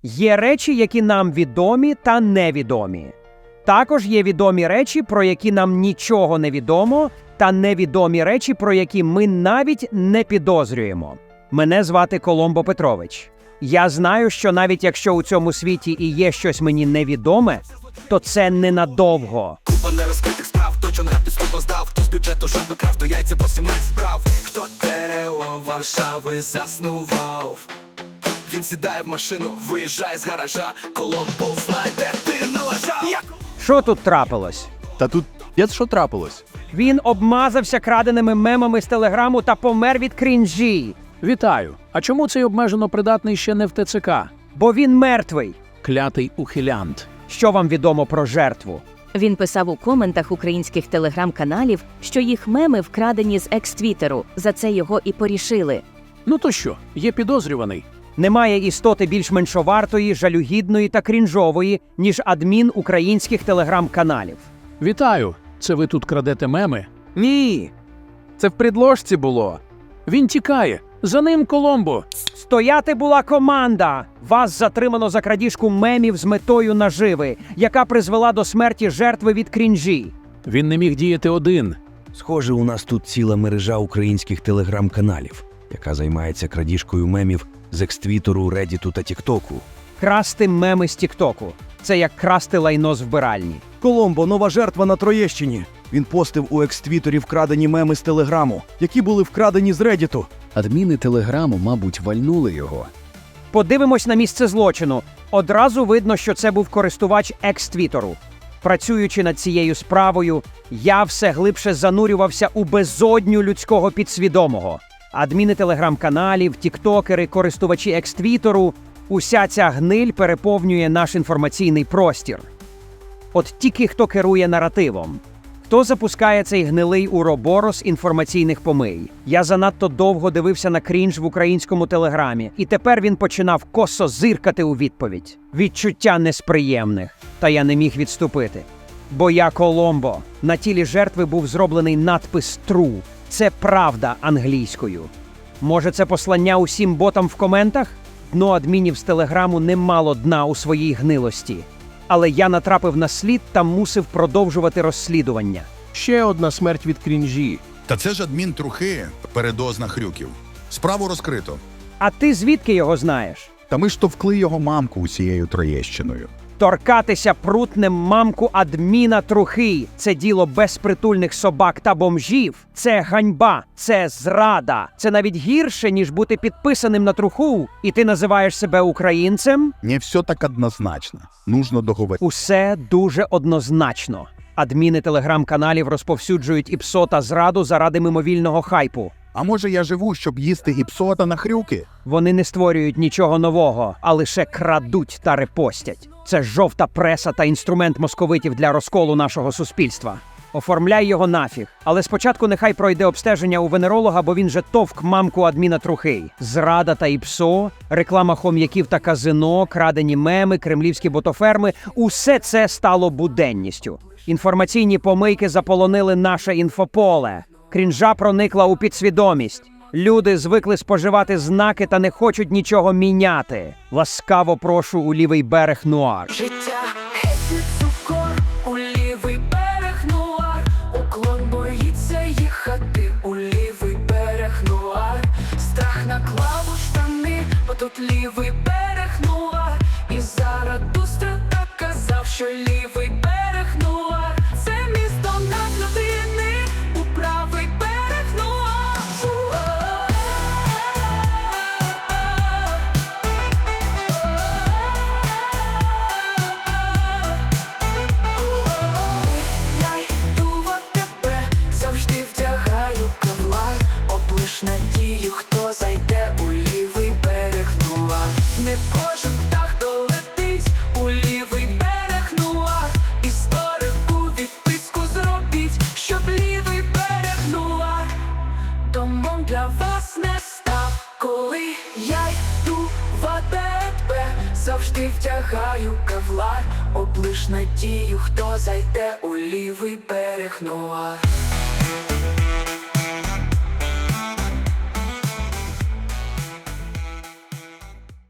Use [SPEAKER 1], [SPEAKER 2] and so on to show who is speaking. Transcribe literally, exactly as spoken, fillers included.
[SPEAKER 1] Є речі, які нам відомі та невідомі. Також є відомі речі, про які нам нічого не відомо, та невідомі речі, про які ми навіть не підозрюємо. Мене звати Коломбо Петрович. Я знаю, що навіть якщо у цьому світі і є щось мені невідоме, то це ненадовго.
[SPEAKER 2] Купа нерозкритих справ, точно грати скупо здав. Хто з бюджету жаби крав, до яйця по сімнадцять справ. Хто дерево Варшави заснував. Він сідає в машину, виїжджає з гаража. Коломбо знає, де ти налажав.
[SPEAKER 1] Що тут трапилось?
[SPEAKER 3] Та тут є що трапилось.
[SPEAKER 1] Він обмазався краденими мемами з Телеграму та помер від крінжі.
[SPEAKER 4] Вітаю! А чому цей обмежено придатний ще не в Те Це Ка?
[SPEAKER 1] Бо він мертвий.
[SPEAKER 4] Клятий ухилянт.
[SPEAKER 1] Що вам відомо про жертву?
[SPEAKER 5] Він писав у коментах українських телеграм-каналів, що їх меми вкрадені з екс-твіттеру. За це його і порішили.
[SPEAKER 4] Ну то що, є підозрюваний?
[SPEAKER 1] Немає істоти більш меншовартої, жалюгідної та крінжової, ніж адмін українських телеграм-каналів.
[SPEAKER 4] Вітаю! Це ви тут крадете меми?
[SPEAKER 3] Ні. Це в предложці було.
[SPEAKER 4] Він тікає! За ним Коломбо!
[SPEAKER 1] Стояти була команда! Вас затримано за крадіжку мемів з метою наживи, яка призвела до смерті жертви від крінжі.
[SPEAKER 4] Він не міг діяти один.
[SPEAKER 6] Схоже, у нас тут ціла мережа українських телеграм-каналів, яка займається крадіжкою мемів з екс-твіттеру, реддіту та тіктоку.
[SPEAKER 1] Красти меми з тіктоку – це як красти лайно з вбиральні.
[SPEAKER 7] Коломбо – нова жертва на Троєщині. Він постив у екс-твіттері вкрадені меми з Телеграму, які були вкрадені з реддіту.
[SPEAKER 8] Адміни Телеграму, мабуть, вальнули його.
[SPEAKER 1] Подивимось на місце злочину. Одразу видно, що це був користувач екс-твіттеру. Працюючи над цією справою, я все глибше занурювався у безодню людського підсвідомого. Адміни телеграм-каналів, тіктокери, користувачі екс-твіттеру – уся ця гниль переповнює наш інформаційний простір. От тільки хто керує наративом. Хто запускає цей гнилий уроборос інформаційних помий? Я занадто довго дивився на крінж в українському телеграмі, і тепер він починав косо зиркати у відповідь. Відчуття несприємних. Та я не міг відступити. Бо я Коломбо. На тілі жертви був зроблений надпис «True». Це правда англійською. Може, це послання усім ботам в коментах? Дно адмінів з телеграму не мало дна у своїй гнилості. Але я натрапив на слід та мусив продовжувати розслідування.
[SPEAKER 9] Ще одна смерть від крінжі.
[SPEAKER 10] Та це ж адмін трухи, передоз на хрюків. Справу розкрито.
[SPEAKER 1] А ти звідки його знаєш?
[SPEAKER 11] Та ми ж товкли його мамку усією Троєщиною.
[SPEAKER 1] Торкатися прутнем мамку адміна трухи – це діло безпритульних собак та бомжів. Це ганьба, це зрада. Це навіть гірше, ніж бути підписаним на труху. І ти називаєш себе українцем?
[SPEAKER 11] Не все так однозначно. Нужно договорити.
[SPEAKER 1] Усе дуже однозначно. Адміни телеграм-каналів розповсюджують іпсо та зраду заради мимовільного хайпу.
[SPEAKER 11] А може я живу, щоб їсти іпсота на хрюки?
[SPEAKER 1] Вони не створюють нічого нового, а лише крадуть та репостять. Це жовта преса та інструмент московитів для розколу нашого суспільства. Оформляй його нафіг. Але спочатку нехай пройде обстеження у венеролога, бо він же товк мамку адміна трухи. Зрада та іпсо, реклама хом'яків та казино, крадені меми, кремлівські ботоферми – усе це стало буденністю. Інформаційні помийки заполонили наше інфополе. Крінжа проникла у підсвідомість. Люди звикли споживати знаки та не хочуть нічого міняти. Ласкаво прошу у лівий берег нуар.
[SPEAKER 2] Життя геть цукор, у лівий берег нуар. Уклон боїться їхати у лівий берег нуар. Страх наклав у штани, бо тут лівий берег нуар. І зараз Дустра так казав, що лівий берег нуар. Це місто над людини, у правий берег нуар. Я йду в тебе, завжди вдягаю кевлар. Облиш надію, хто зайде у лівий берег нуар. Не кожен птах долетить у лівий берег нуар. Історику відписку зробіть, щоб лівий берег нуар домом для вас не став. Коли я йду в АТБ, завжди вдягаю кевлар. Облиш надію, хто зайде у лівий берег нуар.